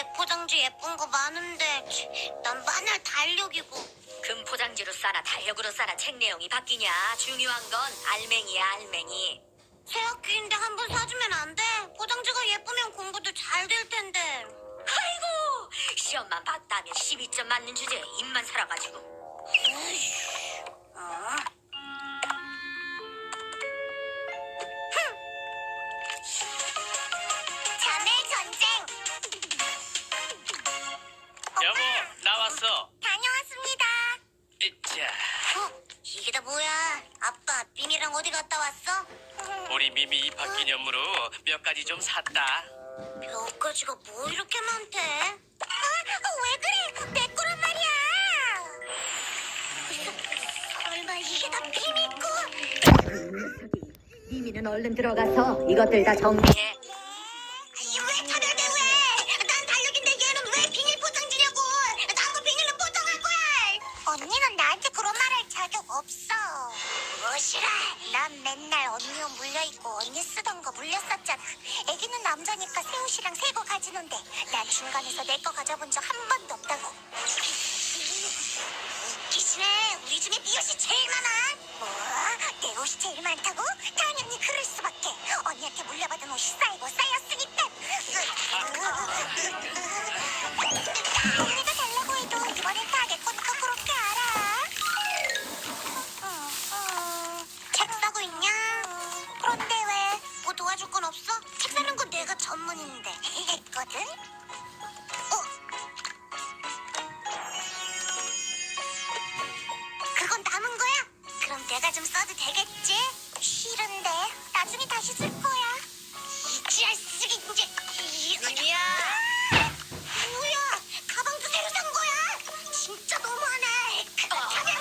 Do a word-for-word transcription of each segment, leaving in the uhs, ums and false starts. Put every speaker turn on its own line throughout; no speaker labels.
백 포장지 예쁜 거 많은데 난 맨날 달력이고.
금 포장지로 싸나 달력으로 싸나 책 내용이 바뀌냐. 중요한 건 알맹이야, 알맹이.
새 학기인데 한 번 사주면 안 돼? 포장지가 예쁘면 공부도 잘 될 텐데.
아이고, 시험만 봤다면 십이 점 맞는 주제에 입만 살아가지고.
어? 자매 전쟁.
여보, 나왔어.
다녀왔습니다.
자,
어? 이게 다 뭐야? 아빠, 미미랑 어디 갔다 왔어?
우리 미미 입학 기념으로 몇 가지 좀 샀다.
몇 가지가 뭐 이렇게 많대? 아, 왜 그래? 내 거란 말이야. 설마 이게 다 비밀 거?
미미는 얼른 들어가서 이것들 다 정리해.
왜 차별돼 왜? 난 달력인데 얘는 왜 비닐 포장지냐고? 나도 비닐로 포장할 거야. 언니는 나한테 그런 말 할 자격 없어. 무시라. 난 맨날 언니 옷 물려입고 언니 쓰던 거 물렸었잖아. 애기는 남자니까 새 옷이랑 새 거 가지는데 난 중간에서 내 거 가져본 적 한 번도 없다고. 웃기시네. 우리 중에 네 옷이 제일 많아. 뭐? 내 옷이 제일 많다고? 당연히 그럴 수밖에. 언니한테 물려받은 옷이 쌓이고 쌓였으니까. 언니가 달라고 해도 이번엔 다 내 거니까 그렇게 알아. 응, 응. 책 사고 있냐? 그런데 왜? 뭐 도와줄 건 없어? 책 사는 건 내가 전문인데. 했거든? 어? 그건 남은 거야? 그럼 내가 좀 써도 되겠지? 싫은데 나중에 다시 쓸 거야. 이지랄 쓰기 이제.
미미야.
뭐야? 가방도 새로 산 거야? 진짜 너무하네. 그렇다면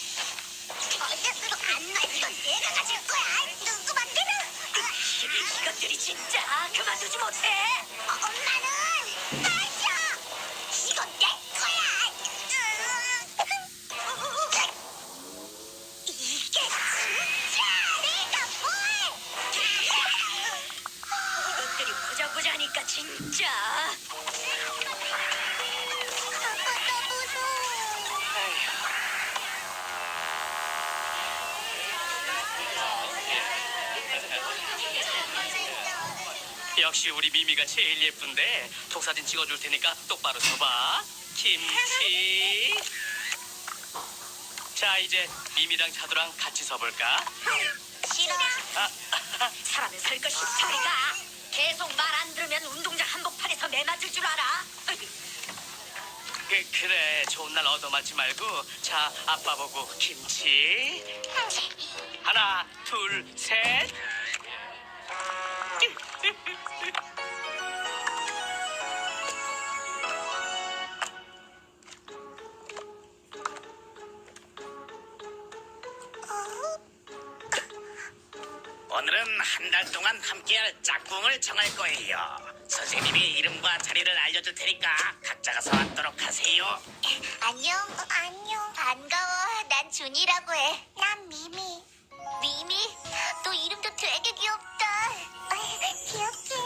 안 놔. 이건 내가 가질 거야. 누구 맘대로.
이것들이 진짜 그만두지 못해.
어, 엄마는 마셔. 이건 내 거야. 이게 진짜 내가 뭘?
이것들이 보자 보자니까 진짜.
아빠 무서워.
역시 우리 미미가 제일 예쁜데 독사진 찍어줄 테니까 똑바로 서봐. 김치. 자, 이제 미미랑 차두랑 같이 서볼까?
싫어.
아,
사람은 설 것이 소리가. 계속 말 안 들으면 운동장 한복판에서 매 맞을 줄 알아.
그, 그래, 좋은 날 얻어맞지 말고. 자, 아빠 보고 김치. 하나, 둘, 셋.
오늘은 한 달 동안 함께할 짝꿍을 정할 거예요. 선생님이 이름과 자리를 알려줄 테니까 각자가 서왔도록 하세요.
안녕. 어, 안녕. 반가워. 난 준이라고 해. 난 미미. 미미? 너 이름도 되게 귀엽다. 귀엽긴.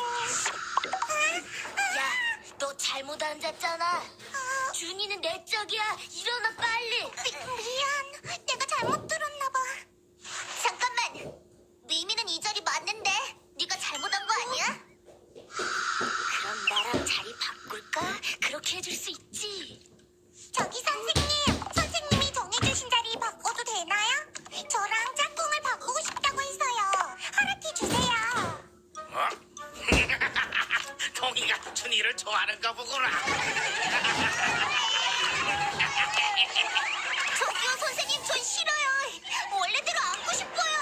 야, 너 잘못 앉았잖아. 준이는 내 짝이야. 일어나 빨리. 미, 미안. 내가 잘못 들었나 봐. 잠깐만. 미미는 이 자리 맞는데 네가 잘못한 거 아니야? 그럼 나랑 자리 바꿀까? 그렇게 해줄 수 있지. 저기 선생님, 선생님이 정해주신 자리 바꿔도 되나요? 저랑 짝꿍을 바꾸고 싶다고 해서요. 허락해 주세요.
어? 동이가 준이를 좋아하는가 보구나.
저기요 선생님, 전 싫어요. 원래대로 안고 싶어요.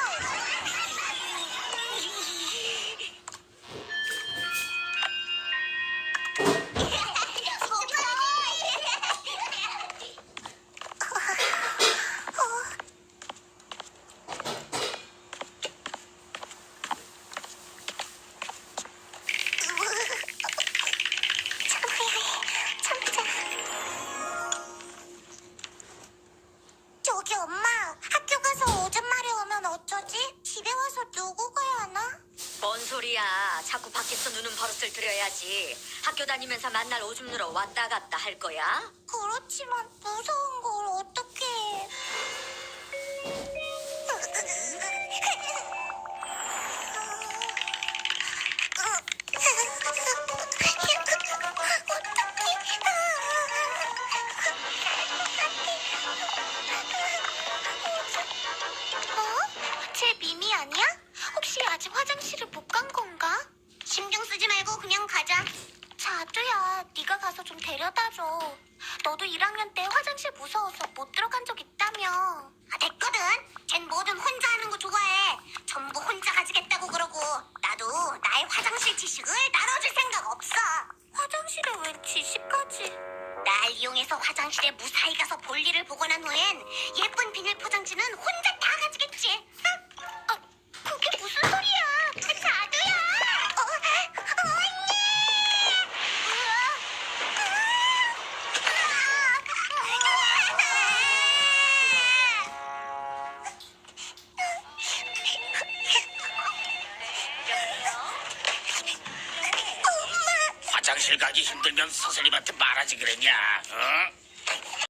저기 엄마, 학교 가서 오줌 마려 오면 어쩌지? 집에 와서 누구 가야 하나?
뭔 소리야. 자꾸 밖에 학교에서 누는 버릇을 들여야지. 학교 다니면서 만날 오줌 누러 왔다 갔다 할 거야?
그렇지만 무서운 걸 어떻게 해. 어? 쟤 미미 아니야? 혹시 아직 화장실을 못 간 건가? 신경 쓰지 말고 그냥 가자. 자두야, 네가 가서 좀 데려다줘. 너도 일 학년 때 화장실 무서워서 못 들어간 적 있다며. 아, 됐거든. 쟨 뭐든 혼자 하는 거 좋아해. 전부 혼자 가지겠다고 그러고. 나도 나의 화장실 지식을 나눠줄 생각 없어. 화장실에 웬 지식까지? 날 이용해서 화장실에 무사히 가서 볼일을 보고 난 후엔 예쁜 비닐 포장지는 혼자 다 가지겠지. 응? 아, 그게 무슨 소리야? 자두야! 어, 언니!
화장실 가기 힘들면 선생님한테 말하지 그랬냐? 어?